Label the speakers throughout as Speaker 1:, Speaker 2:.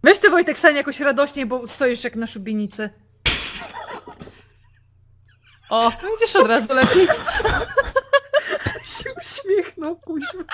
Speaker 1: Weź ty, Wojtek, stań jakoś radośniej, bo stoisz jak na szubienicy. O, widzisz, od razu lepiej.
Speaker 2: się uśmiechnął, kuźwa.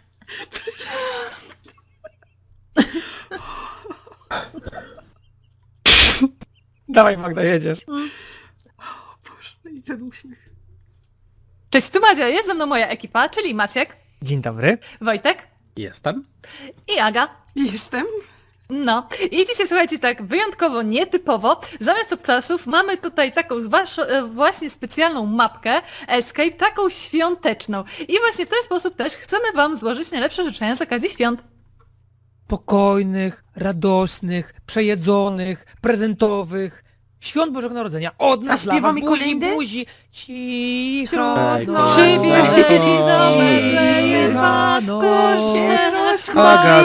Speaker 3: Dawaj Magda, jedziesz.
Speaker 2: Boże, i ten uśmiech.
Speaker 1: Cześć, tu Madzia, jest ze mną moja ekipa, czyli Maciek,
Speaker 3: Dzień dobry.
Speaker 1: Wojtek
Speaker 4: Jestem.
Speaker 1: i Aga.
Speaker 2: Jestem.
Speaker 1: No i dzisiaj słuchajcie, tak wyjątkowo nietypowo, zamiast obcasów mamy tutaj taką właśnie specjalną mapkę Escape, taką świąteczną. I właśnie w ten sposób też chcemy wam złożyć najlepsze życzenia z okazji świąt.
Speaker 3: Spokojnych, radosnych, przejedzonych, prezentowych. Świąt Bożego Narodzenia. Od nas dla was,
Speaker 2: śpiewamy
Speaker 3: buzi,
Speaker 2: kolędy?
Speaker 3: buzi. Cicho.
Speaker 2: Wśród
Speaker 3: noc.
Speaker 1: Przybierzeli do
Speaker 3: Betlejem
Speaker 1: Betlejem pasterz
Speaker 4: Aga,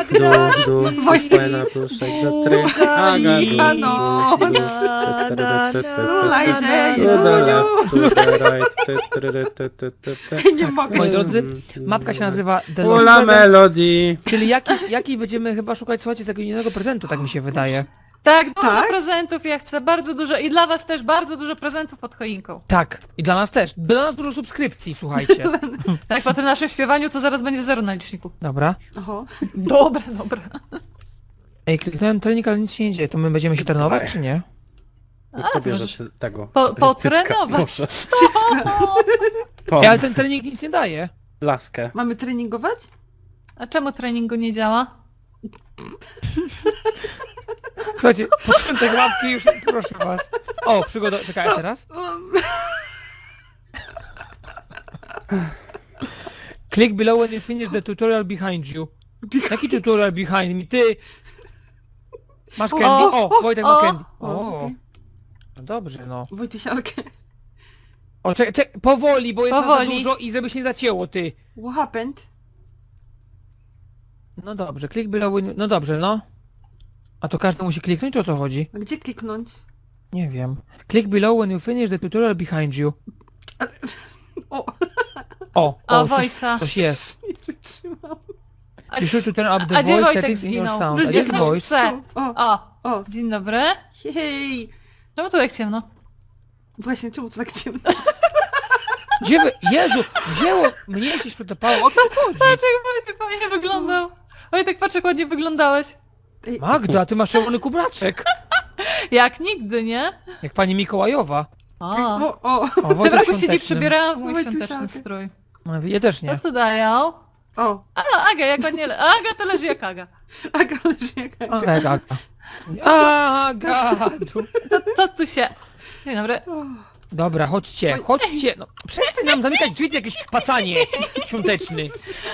Speaker 4: fajna pluszek za try. Aga,
Speaker 2: Lajże, Nie mogę.
Speaker 3: Moi drodzy, mapka się nazywa The Lost
Speaker 4: Ula
Speaker 3: Present,
Speaker 4: Melody.
Speaker 3: czyli jakiś będziemy chyba szukać, słuchajcie, z jakiegoś innego prezentu, tak mi się wydaje.
Speaker 1: Tak, dużo
Speaker 2: Tak?
Speaker 1: prezentów, ja chcę bardzo dużo i dla was też bardzo dużo prezentów pod choinką.
Speaker 3: Tak, i dla nas też. Dla nas dużo subskrypcji, słuchajcie.
Speaker 1: Tak, po tym naszym śpiewaniu to zaraz będzie 0 na liczniku.
Speaker 3: Dobra.
Speaker 2: Oho.
Speaker 1: Dobra, dobra.
Speaker 3: Ej, kliknąłem trening, ale nic się nie dzieje. To my będziemy się trenować, czy nie?
Speaker 4: Kto bierze
Speaker 1: możesz
Speaker 4: tego?
Speaker 1: potrenować.
Speaker 4: Proszę.
Speaker 3: Ej, ale
Speaker 4: Po
Speaker 3: ten trening nic nie daje.
Speaker 4: laskę.
Speaker 2: Mamy treningować?
Speaker 1: A czemu treningu nie działa?
Speaker 3: Słuchajcie, początek mapki już, proszę was. O, przygoda, czekaj, a teraz? Click below when you finish the tutorial behind you. Jaki tutorial behind me? Ty! Masz candy? O, Wojtek ma candy. O,
Speaker 2: okej.
Speaker 3: no dobrze, no.
Speaker 2: Wojtysialkę.
Speaker 3: O, czekaj, powoli, bo jest nas za
Speaker 1: Powoli.
Speaker 3: dużo i żeby się nie zacięło, ty.
Speaker 2: What happened?
Speaker 3: No dobrze, click below when you... No dobrze, no. A to każdy musi kliknąć, czy o co chodzi?
Speaker 2: A gdzie kliknąć?
Speaker 3: Nie wiem. Click below when you finish the tutorial behind you.
Speaker 2: O,
Speaker 3: O,
Speaker 1: O,
Speaker 3: coś,
Speaker 1: voice'a.
Speaker 3: coś jest.
Speaker 2: nie wytrzymam.
Speaker 3: You should to turn up the
Speaker 1: A gdzie
Speaker 3: voice
Speaker 1: Wojtek
Speaker 3: settings in your
Speaker 1: zginął?
Speaker 3: sound. A
Speaker 2: Jest
Speaker 3: jest
Speaker 1: Ktoś
Speaker 3: voice.
Speaker 1: chce.
Speaker 2: O,
Speaker 1: O,
Speaker 2: o.
Speaker 1: dzień dobry.
Speaker 2: Hej.
Speaker 1: Czemu tu tak ciemno?
Speaker 2: Właśnie, czemu to tak ciemno?
Speaker 3: Gdzie wy... Jezu, wzięło mnie gdzieś przytopało. O co chodzi?
Speaker 1: Patrz jak Wojtek ładnie wyglądał. Wojtek, patrz jak ładnie wyglądałeś.
Speaker 2: Ej,
Speaker 3: Magda, ty masz czerwony kubraczek.
Speaker 1: Jak nigdy, nie?
Speaker 3: Jak pani Mikołajowa.
Speaker 1: O.
Speaker 2: o.
Speaker 3: O,
Speaker 1: W tym
Speaker 3: Wojtek
Speaker 1: roku się nie
Speaker 3: świąteczny.
Speaker 1: przebierałam w mój
Speaker 2: Wojtusiaka.
Speaker 1: świąteczny strój.
Speaker 3: No, ja też
Speaker 1: Co
Speaker 3: nie.
Speaker 1: tu dają?
Speaker 2: O,
Speaker 1: A, Aga, jak ładnie... Aga to leży jak Aga.
Speaker 2: Aga leży jak
Speaker 3: O,
Speaker 2: Aga.
Speaker 3: tak, Agadu.
Speaker 1: Co tu się... Dzień dobry.
Speaker 3: Dobra, chodźcie, chodźcie. No, przestań nam zamykać drzwi, ty jakieś pacanie świąteczny.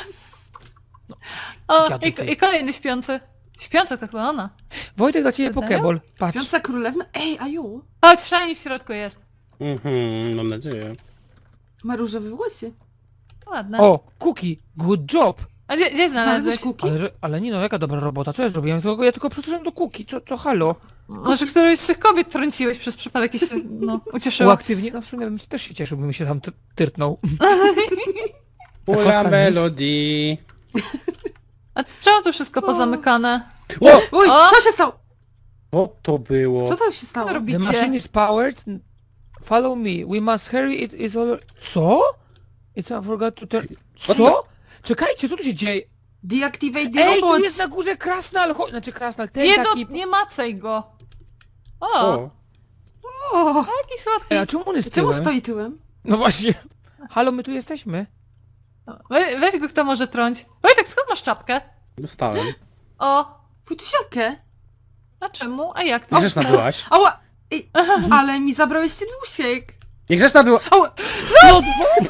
Speaker 1: O,
Speaker 3: Dziadu ty.
Speaker 1: i kolejny śpiący. Śpiąca to chyba ona.
Speaker 3: Wojtek, dla ciebie
Speaker 1: Wydają?
Speaker 3: pokeball. Patrz.
Speaker 2: Śpiąca królewna? Ej, Aju.
Speaker 1: Chodź, szalnie w środku jest.
Speaker 4: Mam nadzieję.
Speaker 2: Ma różowe włosy.
Speaker 1: Ładne.
Speaker 3: O, Cookie, good job.
Speaker 1: A gdzie znalazłeś?
Speaker 2: Znalazłeś kuki?
Speaker 3: Ale nie no, jaka dobra robota, co ja zrobiłem? Ja tylko przeczytałem do Cookie, co halo?
Speaker 1: Może którejś z tych kobiet trąciłeś przez przypadek i się, no, ucieszyła.
Speaker 3: Uaktywnie, no w sumie bym też się cieszył, bym się tam tyrtnął.
Speaker 4: Ula
Speaker 3: kostka nic.
Speaker 4: Melody.
Speaker 1: A czemu to wszystko pozamykane?
Speaker 4: O!
Speaker 2: Oj,
Speaker 1: O!
Speaker 2: co się stało?
Speaker 4: Co to było?
Speaker 2: Co to się stało?
Speaker 1: Co robi-
Speaker 3: The
Speaker 1: Bicie.
Speaker 3: machine is powered. Follow me. We must hurry. It is all... Co? It's I forgot to turn... Co? Czekajcie, co tu się dzieje?
Speaker 2: Deactivate the
Speaker 3: Ej, tu
Speaker 2: robots.
Speaker 3: jest na górze Krasnal! Znaczy Krasnal, ten
Speaker 1: Nie,
Speaker 3: taki...
Speaker 1: nie macaj go. O,
Speaker 4: O!
Speaker 2: O,
Speaker 1: jaki słodki.
Speaker 3: Ej, a czemu on jest
Speaker 2: czemu
Speaker 3: tyłem?
Speaker 2: stoi tyłem?
Speaker 3: No właśnie. Halo, my tu jesteśmy.
Speaker 1: Weź go, kto może trąć. Wojtek, skąd masz czapkę?
Speaker 4: Dostałem.
Speaker 1: O,
Speaker 2: Wojtusialkę?
Speaker 1: a czemu? A jak?
Speaker 4: Niegrzeczna byłaś.
Speaker 2: Ała! Ej, ale mi zabrałeś synusiek.
Speaker 4: Niegrzeczna była.
Speaker 2: Ała!
Speaker 3: No,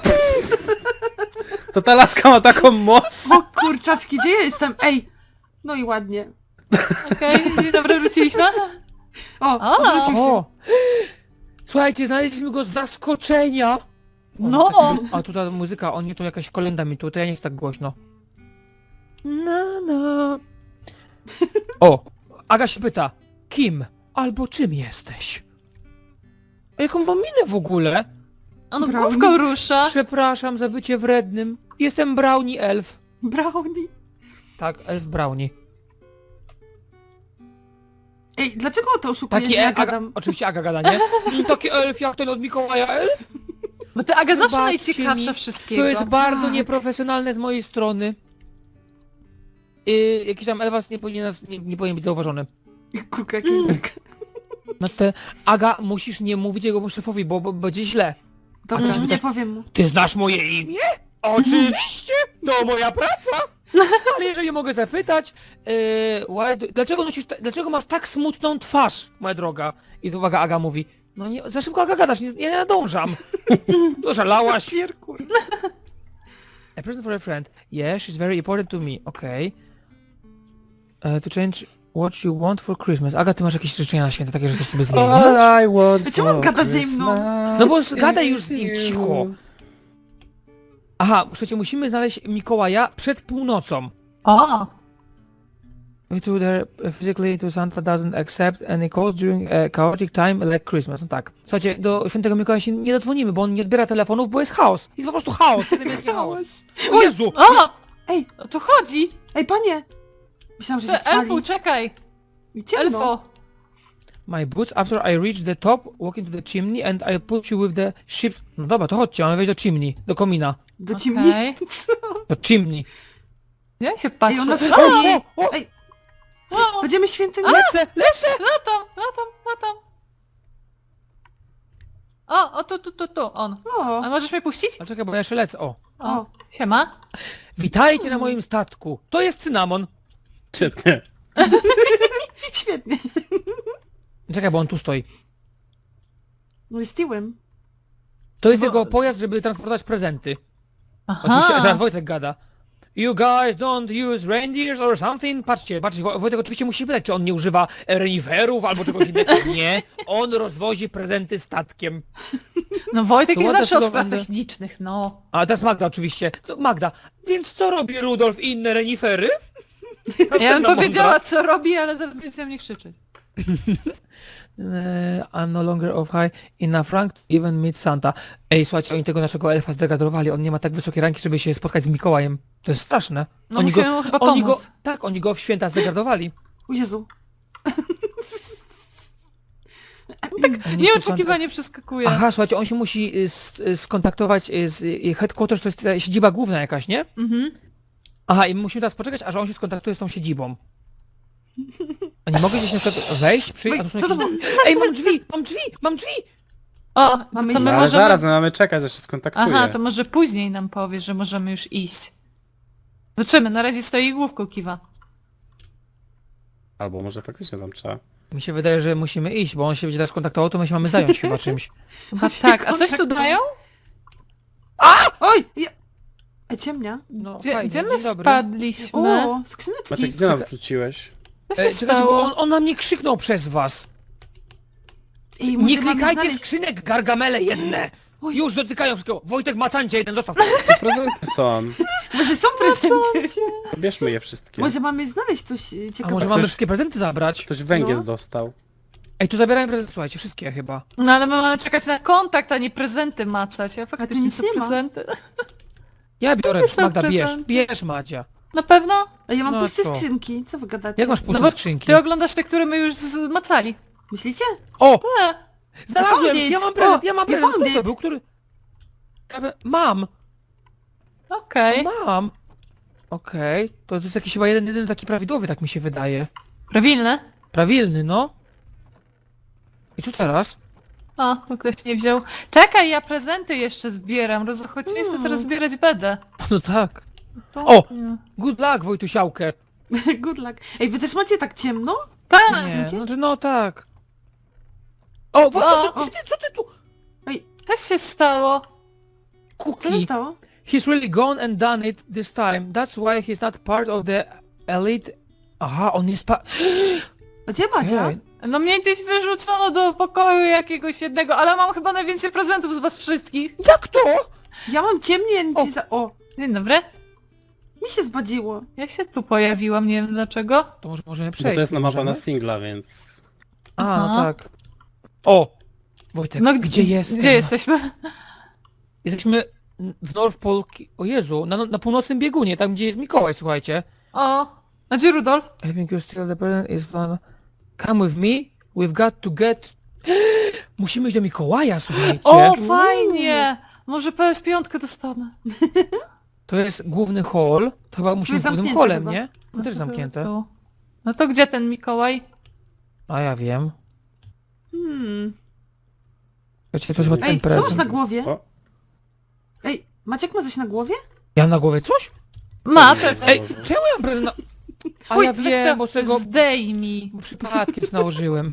Speaker 4: To ta laska ma taką moc.
Speaker 2: O kurczaczki, gdzie ja jestem? Ej! No i ładnie.
Speaker 1: Okej, dzień dobry, wróciliśmy.
Speaker 2: O, odwrócił się.
Speaker 3: o! Słuchajcie, znaleźliśmy go z zaskoczenia!
Speaker 1: No.
Speaker 3: A tu ta muzyka, o nie, to jakaś kolenda mi tu, to ja nie jest tak głośno. No, no. O! Aga się pyta, kim albo czym jesteś? A jaką mam minę w ogóle?
Speaker 1: On
Speaker 2: Brownie.
Speaker 1: główką rusza.
Speaker 3: Przepraszam za bycie wrednym. Jestem Brownie Elf.
Speaker 2: Brownie.
Speaker 3: Tak, Elf Brownie.
Speaker 2: Ej, dlaczego to oszukujesz,
Speaker 3: Taki
Speaker 2: że ja
Speaker 3: Aga,
Speaker 2: gadam?
Speaker 3: oczywiście Aga gada, nie? Taki elf jak ten od Mikołaja elf?
Speaker 1: Bo ty Aga zawsze
Speaker 3: Zobaczcie
Speaker 1: najciekawsza
Speaker 3: mi,
Speaker 1: wszystkiego.
Speaker 3: To jest bardzo
Speaker 2: Tak.
Speaker 3: nieprofesjonalne z mojej strony. Jakiś tam elfas nie powinien być zauważony.
Speaker 2: Kurka, jaki elk.
Speaker 3: No te, Aga, musisz nie mówić jego szefowi, bo będzie źle.
Speaker 2: Dobra,
Speaker 3: ty-
Speaker 2: nie powiem mu.
Speaker 3: Ty znasz moje imię? Oczywiście! To moja praca! Ale jeżeli mogę zapytać, dlaczego masz tak smutną twarz, moja droga? I to uwaga, Aga mówi, no nie, za szybko Aga gadasz, nie nadążam. To żalałaś.
Speaker 2: Pierkur.
Speaker 3: A present for a friend. Yeah, she's very important to me. Okay. To change what you want for Christmas. Aga, ty masz jakieś życzenia na święta, takie, że chcesz sobie zmienić?
Speaker 4: All I want
Speaker 2: Czemu on
Speaker 4: for
Speaker 2: gada ze mną?
Speaker 4: Christmas
Speaker 3: No bo
Speaker 4: is
Speaker 3: gadaj już z nim
Speaker 4: you.
Speaker 3: cicho. Aha, słuchajcie, musimy znaleźć Mikołaja przed północą.
Speaker 1: O!
Speaker 3: We to there physically to Santa doesn't accept any calls during a chaotic time like Christmas. No tak. Słuchajcie, do świętego Mikołaja się nie dodzwonimy, bo on nie odbiera telefonów, bo jest chaos. Jest po prostu chaos. Jeden wielki chaos. O Jezu!
Speaker 1: O!
Speaker 2: Ej,
Speaker 1: O tu chodzi!
Speaker 2: ej, panie! Myślałam, że się spali.
Speaker 1: Elfu, czekaj!
Speaker 2: I ciemno.
Speaker 1: Elfo!
Speaker 3: My boots after I reach the top, walk into the chimney and I put you with the ships... No dobra, to chodźcie, mamy wejść do chimney, do komina.
Speaker 2: Do ciemni.
Speaker 1: Okej.
Speaker 3: Do chimney.
Speaker 1: Ja się patrzę.
Speaker 2: Ej, ona
Speaker 1: O!
Speaker 2: spali.
Speaker 3: o.
Speaker 2: Ej,
Speaker 1: O!
Speaker 2: będziemy świętym...
Speaker 3: Lecę!
Speaker 1: Latam! O, tu, on.
Speaker 2: O,
Speaker 1: A możesz mnie puścić?
Speaker 3: A czekaj, bo ja jeszcze lecę, o.
Speaker 1: O, siema.
Speaker 3: Witajcie na moim statku. To jest cynamon.
Speaker 4: Czy nie?
Speaker 2: świetnie.
Speaker 3: Czekaj, bo on tu stoi.
Speaker 2: No z tyłem.
Speaker 3: To jest
Speaker 1: Bo-
Speaker 3: jego pojazd, żeby transportować prezenty.
Speaker 1: Aha.
Speaker 3: Oczywiście, teraz Wojtek gada. You guys don't use reindeers or something? Patrzcie, Wojtek oczywiście musi pytać, czy on nie używa reniferów albo czegoś innego. Nie, on rozwozi prezenty statkiem.
Speaker 1: No Wojtek
Speaker 3: To
Speaker 1: jest
Speaker 3: ładne
Speaker 1: zawsze o
Speaker 3: słowo
Speaker 1: spraw
Speaker 3: będę.
Speaker 1: technicznych, no.
Speaker 3: A teraz Magda oczywiście. To Magda, więc co robi Rudolf i inne renifery?
Speaker 1: Ja bym
Speaker 3: Następna
Speaker 1: powiedziała,
Speaker 3: mądra.
Speaker 1: co robi, ale zaraz będzie na mnie krzyczeć.
Speaker 3: I'm no longer of high enough rank to even meet Santa. Ej, słuchajcie, oni tego naszego elfa zdegradowali, on nie ma tak wysokiej ranki, żeby się spotkać z Mikołajem. To jest straszne.
Speaker 1: No
Speaker 3: oni
Speaker 1: musimy mu chyba
Speaker 3: oni go,
Speaker 1: pomóc.
Speaker 3: tak, oni go w święta zdegradowali.
Speaker 2: O Jezu.
Speaker 1: Nieoczekiwanie przeskakuje.
Speaker 3: Aha, słuchajcie, on się musi skontaktować z headquarters, to jest ta siedziba główna jakaś, nie?
Speaker 1: Mhm.
Speaker 3: Aha, i musimy teraz poczekać, aż on się skontaktuje z tą siedzibą. A nie mogę gdzieś na przykład wejść, przyjść, a tu są
Speaker 2: Co to
Speaker 3: jakieś... Ej, mam drzwi!
Speaker 1: O,
Speaker 2: Mamy
Speaker 1: co
Speaker 2: iść
Speaker 1: my
Speaker 4: Ale
Speaker 1: możemy...
Speaker 4: zaraz, no mamy czekać, aż się skontaktuje.
Speaker 1: Aha, to może później nam powie, że możemy już iść. Zobaczymy, na razie stoi i główką kiwa.
Speaker 4: Albo może faktycznie tam trzeba.
Speaker 3: Mi się wydaje, że musimy iść, bo on się będzie teraz kontaktował, to my się mamy zająć chyba czymś.
Speaker 1: Chyba tak, a coś tu dają?
Speaker 2: Oj! Ja... Ej, ciemnia.
Speaker 3: No,
Speaker 1: Gdzie,
Speaker 3: fajnie,
Speaker 1: gdzie my
Speaker 3: dzień dobry.
Speaker 1: spadliśmy?
Speaker 2: O, skrzyneczki.
Speaker 4: Maciek, gdzie nas wrzuciłeś?
Speaker 1: Co się
Speaker 3: Czekajcie, bo
Speaker 1: stało?
Speaker 3: on na mnie krzyknął przez was.
Speaker 2: Ej, może
Speaker 3: Nie
Speaker 2: mamy
Speaker 3: klikajcie
Speaker 2: znaleźć-
Speaker 3: skrzynek, gargamele jedne!
Speaker 2: Oj.
Speaker 3: Już dotykają wszystkiego. Wojtek, macancie jeden, zostaw.
Speaker 4: To prezenty są.
Speaker 2: Może są prezenty.
Speaker 4: Bierzmy je wszystkie.
Speaker 2: Może mamy znaleźć coś
Speaker 3: A
Speaker 2: ciekawego.
Speaker 3: może mamy wszystkie prezenty zabrać?
Speaker 4: Ktoś węgiel
Speaker 2: No.
Speaker 4: dostał.
Speaker 3: Ej, tu zabierałem prezenty, słuchajcie, wszystkie chyba.
Speaker 1: No ale my mamy czekać na kontakt, a nie prezenty macać. Ja faktycznie
Speaker 2: nic
Speaker 1: są
Speaker 2: nie ma.
Speaker 1: prezenty.
Speaker 3: Ja biorę,
Speaker 1: nie są
Speaker 3: Magda,
Speaker 1: prezenty.
Speaker 3: bierz Madzia.
Speaker 1: Na pewno?
Speaker 2: Ej, ja mam
Speaker 3: No
Speaker 2: puste
Speaker 3: co?
Speaker 2: skrzynki. Co wy gadacie?
Speaker 3: Jak masz
Speaker 1: No
Speaker 3: puste
Speaker 1: bo
Speaker 3: skrzynki?
Speaker 1: ty oglądasz te, które my już zmacali.
Speaker 2: Myślicie?
Speaker 3: O!
Speaker 1: E,
Speaker 3: Znalazłem!
Speaker 2: found it.
Speaker 3: Ja mam prezent,
Speaker 2: O,
Speaker 3: ja mam
Speaker 2: you
Speaker 3: prezent.
Speaker 2: found
Speaker 3: Kto to
Speaker 2: it.
Speaker 3: był, który... Mam!
Speaker 1: Okej.
Speaker 3: Mam! Okej, to jest jakiś chyba jeden taki prawidłowy, tak mi się wydaje.
Speaker 1: Prawilne?
Speaker 3: Prawilny, no. I co teraz?
Speaker 1: O, tu ktoś nie wziął. Czekaj, ja prezenty jeszcze zbieram. Rozchodziłeś, to teraz zbierać będę.
Speaker 3: No tak.
Speaker 1: To-
Speaker 3: O!
Speaker 1: nie.
Speaker 3: Good luck, Wojtusiałkę.
Speaker 2: Good luck. Ej, wy też macie tak ciemno?
Speaker 1: Tak!
Speaker 3: Nie,
Speaker 2: Dzięki.
Speaker 3: znaczy no tak. O, Wojtek,
Speaker 1: O,
Speaker 3: co ty tu?
Speaker 2: Ej,
Speaker 1: Co się stało?
Speaker 2: co się
Speaker 3: Cookie.
Speaker 2: stało?
Speaker 3: He's really gone and done it this time. That's why he's not part of the elite... Aha, on jest
Speaker 2: A gdzie Madzia?
Speaker 3: Ej,
Speaker 1: No mnie gdzieś wyrzucono do pokoju jakiegoś jednego, ale mam chyba najwięcej prezentów z was wszystkich.
Speaker 3: jak to?
Speaker 2: Ja mam ciemnie, ja nic
Speaker 3: O.
Speaker 2: nie za... O,
Speaker 1: Dzień dobry.
Speaker 2: mi się zbadziło.
Speaker 1: Ja się tu pojawiłam, nie wiem dlaczego.
Speaker 3: To może możemy
Speaker 4: Bo
Speaker 3: przejść.
Speaker 4: to jest na mapa
Speaker 3: możemy?
Speaker 4: na singla, więc...
Speaker 3: A, no
Speaker 1: Aha.
Speaker 3: tak. O! Wojtek,
Speaker 1: No
Speaker 3: gdzie jesteś?
Speaker 1: Gdzie jesteśmy?
Speaker 3: Jesteśmy w North Pole... O Jezu, na północnym biegunie, tam gdzie jest Mikołaj, słuchajcie.
Speaker 1: O, a gdzie Rudolf?
Speaker 3: I think you're still the president is fun. Come with me, we've got to get... Musimy iść do Mikołaja, słuchajcie.
Speaker 1: O, fajnie! Może PS5 dostanę.
Speaker 3: To jest główny hall. To chyba musimy
Speaker 2: jest
Speaker 3: być głównym
Speaker 2: zamknięte
Speaker 3: hallem,
Speaker 2: chyba.
Speaker 3: nie? No też zamknięte.
Speaker 1: Tu. No to gdzie ten Mikołaj?
Speaker 3: A ja wiem. Słuchajcie, to jest chyba ten
Speaker 2: Ej, co masz
Speaker 3: prezent.
Speaker 2: na głowie?
Speaker 4: O,
Speaker 2: Ej, Maciek ma coś na głowie?
Speaker 3: Ja mam na głowie coś?
Speaker 1: Ma prezent.
Speaker 3: Ej,
Speaker 4: Boże.
Speaker 3: czemu ja mam prezent na... A
Speaker 2: Oj,
Speaker 3: ja
Speaker 1: Weź
Speaker 3: wiem,
Speaker 1: to
Speaker 3: bo sobie go
Speaker 1: zdejmij.
Speaker 3: przypadkiem nałożyłem.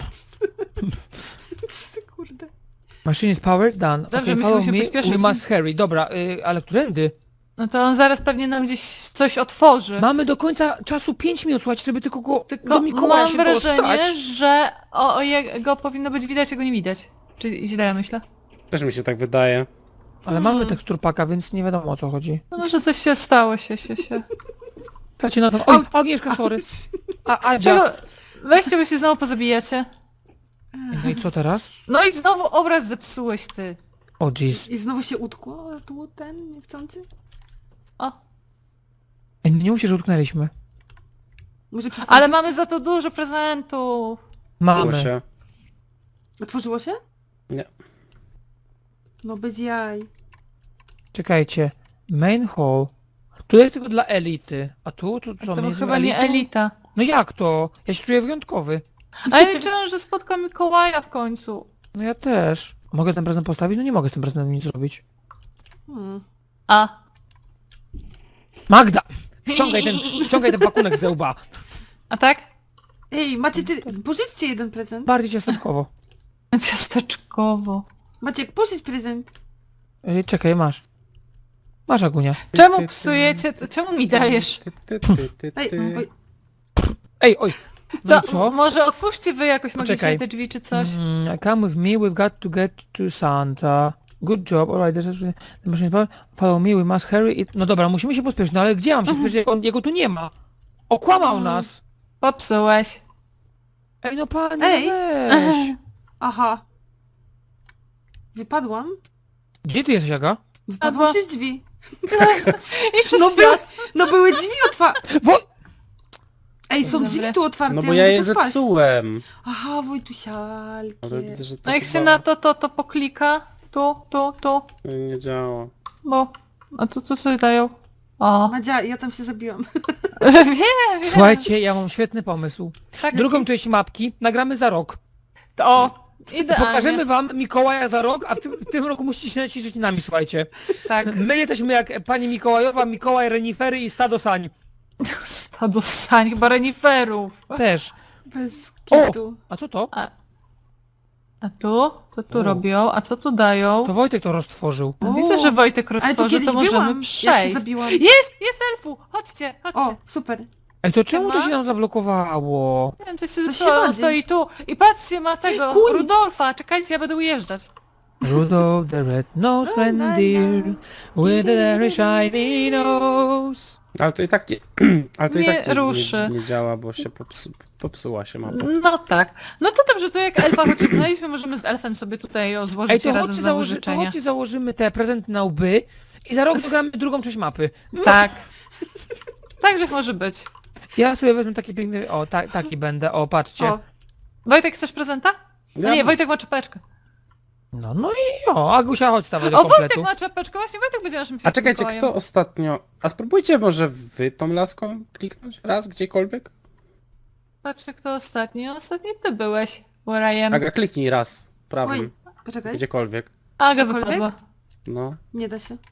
Speaker 2: Ty kurde.
Speaker 3: Machine is powered, done.
Speaker 1: Dobrze,
Speaker 3: Okay,
Speaker 1: musimy
Speaker 3: follow
Speaker 1: się
Speaker 3: me,
Speaker 1: pośpieszyć.
Speaker 3: we must hurry. Dobra, ale którędy?
Speaker 1: No to on zaraz pewnie nam gdzieś coś otworzy.
Speaker 3: Mamy do końca czasu 5 minut, słuchajcie, żeby tylko go
Speaker 1: Tylko
Speaker 3: do Mikołaja
Speaker 1: mam
Speaker 3: się
Speaker 1: wrażenie,
Speaker 3: dostać.
Speaker 1: że o jego powinno być widać, a go nie widać. Czy źle ja myślę?
Speaker 4: też mi się tak wydaje.
Speaker 3: Ale mamy teksturpaka, więc nie wiadomo o co chodzi.
Speaker 1: No może coś się stało, się.
Speaker 3: Słuchajcie na to... Oj, Agnieszka, sorry. A Adzia.
Speaker 1: Czego? Weźcie, bo się znowu pozabijacie.
Speaker 3: No i co teraz?
Speaker 1: No i znowu obraz zepsułeś ty.
Speaker 3: O jeez.
Speaker 2: I znowu się utkło tu ten niechcący?
Speaker 1: O.
Speaker 3: Ej, nie mówcie, że utknęliśmy.
Speaker 2: Może przez...
Speaker 1: Ale mamy za to dużo prezentów.
Speaker 4: Było
Speaker 3: Mamy.
Speaker 4: się.
Speaker 2: Otworzyło się?
Speaker 4: Nie.
Speaker 2: No bez jaj.
Speaker 3: Czekajcie. Main hall. Tu jest tylko dla elity. A tu? Tu co?
Speaker 1: To
Speaker 3: my
Speaker 1: był
Speaker 3: jesteśmy
Speaker 1: chyba nie
Speaker 3: elitą?
Speaker 1: elita.
Speaker 3: No jak to? Ja się czuję wyjątkowy.
Speaker 1: A ja liczyłam, że spotkam Mikołaja w końcu.
Speaker 3: No ja też. Mogę ten prezent postawić? No nie mogę z tym prezentem nic zrobić.
Speaker 1: A.
Speaker 3: Magda! Ściągaj ten pakunek ze łba.
Speaker 1: A tak?
Speaker 2: Ej, macie ty... Pożyczcie jeden prezent.
Speaker 3: Bardziej ciasteczkowo.
Speaker 1: Ciasteczkowo.
Speaker 2: Maciek, pożycz prezent.
Speaker 3: Czekaj, masz. Masz, Agunia.
Speaker 1: Czemu psujecie? Czemu mi dajesz?
Speaker 2: Ej, oj,
Speaker 3: Ej, oj. No
Speaker 1: To
Speaker 3: i co?
Speaker 1: może otwórzcie wy jakoś
Speaker 3: Poczekaj.
Speaker 1: magicznie te drzwi czy coś.
Speaker 3: Come with me, we've got to get to Santa. Good job, alright, there's the machine power. Follow me, we must hurry it. No dobra, musimy się pospieszyć, no ale gdzie mam się pospieszyć, jak jego tu nie ma? Okłamał nas!
Speaker 1: Popsułeś.
Speaker 3: Ej, no panie,
Speaker 2: Ej.
Speaker 3: weź.
Speaker 2: aha. Wypadłam?
Speaker 3: Gdzie ty jesteś, Aga?
Speaker 2: Wypadłam
Speaker 1: Albo-
Speaker 2: przez drzwi.
Speaker 1: I przez
Speaker 2: No,
Speaker 1: świat.
Speaker 2: no były drzwi otwarte.
Speaker 3: Wo...
Speaker 2: Ej, są
Speaker 1: Dobra.
Speaker 2: drzwi tu otwarte.
Speaker 4: No bo
Speaker 2: mogę
Speaker 4: ja
Speaker 2: tu
Speaker 4: je
Speaker 2: spać.
Speaker 4: zepsułem.
Speaker 2: Aha, Wojtusialkie.
Speaker 4: Ale widzę, że to
Speaker 1: No jak się
Speaker 4: chyba
Speaker 1: na to poklika. Tu.
Speaker 4: nie działa.
Speaker 1: Bo... A tu co sobie dają? O.
Speaker 2: Madzia, ja tam się zabiłam.
Speaker 1: Wiem.
Speaker 3: Słuchajcie, ja mam świetny pomysł.
Speaker 1: Tak,
Speaker 3: Drugą część mapki nagramy za rok.
Speaker 1: O. Idealnie.
Speaker 3: Pokażemy wam Mikołaja za rok, a w tym roku musicie się naciszyć nami, słuchajcie.
Speaker 1: Tak.
Speaker 3: My jesteśmy jak pani Mikołajowa, Mikołaj, renifery i stado sań.
Speaker 1: Stado sań, chyba reniferów.
Speaker 3: Też.
Speaker 2: Bez
Speaker 3: O!
Speaker 2: kitu.
Speaker 3: A co to?
Speaker 1: A tu? Co tu
Speaker 3: O.
Speaker 1: robią? A co tu dają?
Speaker 3: To Wojtek to roztworzył.
Speaker 1: No, widzę, że Wojtek
Speaker 2: Ale tu
Speaker 1: roztworzy,
Speaker 2: kiedyś
Speaker 1: to możemy
Speaker 2: byłam, jak się
Speaker 1: przejść.
Speaker 2: zabiłam.
Speaker 1: Jest elfu! Chodźcie.
Speaker 2: O, super.
Speaker 3: Ej, to czemu to
Speaker 1: Siema.
Speaker 3: się nam zablokowało?
Speaker 1: Nie wiem, coś się
Speaker 2: Coś się
Speaker 1: zepsuło, on
Speaker 2: rodzi.
Speaker 1: stoi tu. I patrzcie, ma tego,
Speaker 2: Kuń.
Speaker 1: Rudolfa. Czekajcie, ja będę ujeżdżać.
Speaker 3: Rudolph the red-nosed reindeer with a very shiny nose.
Speaker 4: Ale to i tak nie... Ale to i
Speaker 1: Nie
Speaker 4: tak
Speaker 1: ruszy.
Speaker 4: nie działa, bo się popsuła się mapa.
Speaker 1: No tak. No to dobrze, to jak elfa chociaż znaleźliśmy, możemy z elfem sobie tutaj
Speaker 3: Ej,
Speaker 1: złożyć
Speaker 3: to
Speaker 1: razem
Speaker 3: chodźcie,
Speaker 1: znowu życzenia.
Speaker 3: chodźcie założymy te prezenty na łby i za rok dogramy drugą część mapy.
Speaker 1: Tak. Także może być.
Speaker 3: Ja sobie wezmę taki piękny... O, taki będę, o, patrzcie.
Speaker 2: O,
Speaker 1: Wojtek, chcesz prezenta? No
Speaker 4: Ja-
Speaker 1: nie, Wojtek ma czapeczkę.
Speaker 3: No i o, Agusia, chodź stawaj do
Speaker 1: O, Wojtek
Speaker 3: kompletu.
Speaker 1: ma czapeczkę, właśnie Wojtek będzie naszym
Speaker 4: A czekajcie,
Speaker 1: Mikołajem.
Speaker 4: kto ostatnio... A spróbujcie może wy tą laską kliknąć raz, gdziekolwiek?
Speaker 1: Patrzę, kto ostatni. Ostatni ty byłeś. Where I am.
Speaker 4: Aga, kliknij raz, prawym,
Speaker 2: oj, poczekaj.
Speaker 4: gdziekolwiek.
Speaker 1: Aga
Speaker 2: Cokolwiek?
Speaker 1: wypadła.
Speaker 4: No.
Speaker 2: Nie da się.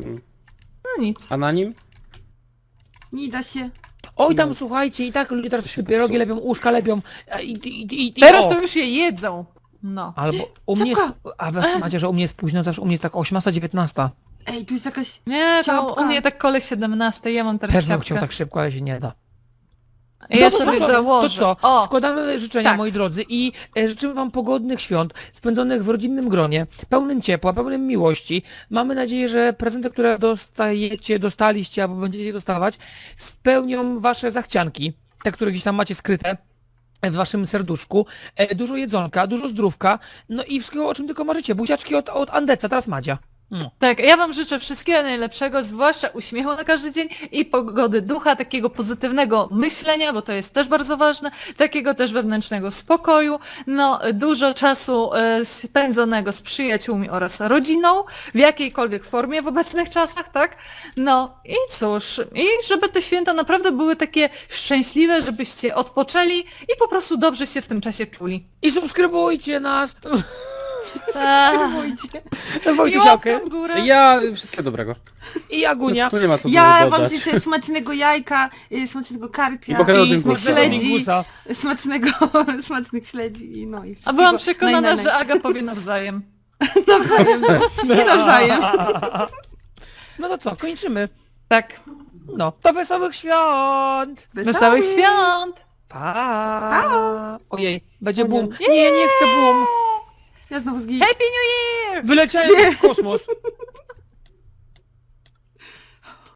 Speaker 1: No nic.
Speaker 4: A na nim?
Speaker 2: Nie da się.
Speaker 3: Oj, tam słuchajcie, i tak ludzie teraz
Speaker 4: się
Speaker 3: pierogi
Speaker 4: popsuło.
Speaker 3: lepią, uszka lepią. I
Speaker 1: Teraz
Speaker 3: o.
Speaker 1: to już je jedzą. No.
Speaker 3: Albo u mnie jest...
Speaker 2: Czapka.
Speaker 3: A wiesz co macie, że u mnie jest późno, zawsze u mnie jest tak 18-19.
Speaker 2: Ej, tu jest jakaś...
Speaker 1: Nie, to
Speaker 2: Ciapka.
Speaker 1: u mnie tak koleś 17, ja mam teraz
Speaker 3: Też bym
Speaker 1: ciapkę.
Speaker 3: chciał tak szybko, ale się nie da.
Speaker 1: Ja
Speaker 3: to
Speaker 1: sobie
Speaker 3: co?
Speaker 1: założę.
Speaker 3: To co?
Speaker 1: O,
Speaker 3: Składamy życzenia,
Speaker 1: tak.
Speaker 3: moi drodzy, i życzymy wam pogodnych świąt, spędzonych w rodzinnym gronie, pełnym ciepła, pełnym miłości. Mamy nadzieję, że prezenty, które dostaliście albo będziecie dostawać, spełnią wasze zachcianki, te, które gdzieś tam macie skryte w waszym serduszku. Dużo jedzonka, dużo zdrówka, no i wszystkiego, o czym tylko marzycie. Buziaczki od Andeca, teraz Madzia.
Speaker 1: Tak, ja wam życzę wszystkiego najlepszego, zwłaszcza uśmiechu na każdy dzień i pogody ducha, takiego pozytywnego myślenia, bo to jest też bardzo ważne, takiego też wewnętrznego spokoju, no dużo czasu spędzonego z przyjaciółmi oraz rodziną, w jakiejkolwiek formie w obecnych czasach, tak? No i cóż, i żeby te święta naprawdę były takie szczęśliwe, żebyście odpoczęli i po prostu dobrze się w tym czasie czuli.
Speaker 3: I subskrybujcie nas!
Speaker 1: Tak. I
Speaker 3: Wojtusiałkę.
Speaker 1: łapkę w górę.
Speaker 4: Ja wszystkiego dobrego.
Speaker 3: I Agunia.
Speaker 4: Tu nie ma co
Speaker 2: Ja
Speaker 4: dużo
Speaker 2: wam
Speaker 4: dodać.
Speaker 2: życzę smacznego jajka, smacznego
Speaker 4: I
Speaker 2: karpia,
Speaker 4: pokarmowego
Speaker 3: I
Speaker 4: dyngusa.
Speaker 3: smacznego
Speaker 2: śledzi.
Speaker 3: dingusa.
Speaker 2: smacznych śledzi i no i
Speaker 1: A
Speaker 2: wszystkiego
Speaker 1: byłam przekonana,
Speaker 2: najnajnaj.
Speaker 1: że Aga powie nawzajem.
Speaker 2: Nie nawzajem.
Speaker 3: No to co, kończymy.
Speaker 1: Tak.
Speaker 3: No, to wesołych świąt!
Speaker 1: Wesołych świąt!
Speaker 3: Pa! Ojej, będzie
Speaker 2: O nie.
Speaker 3: boom. Nie, nie chcę boom.
Speaker 2: Ja znowu zgiję.
Speaker 1: Happy New Year!
Speaker 3: Wyleciałem w kosmos.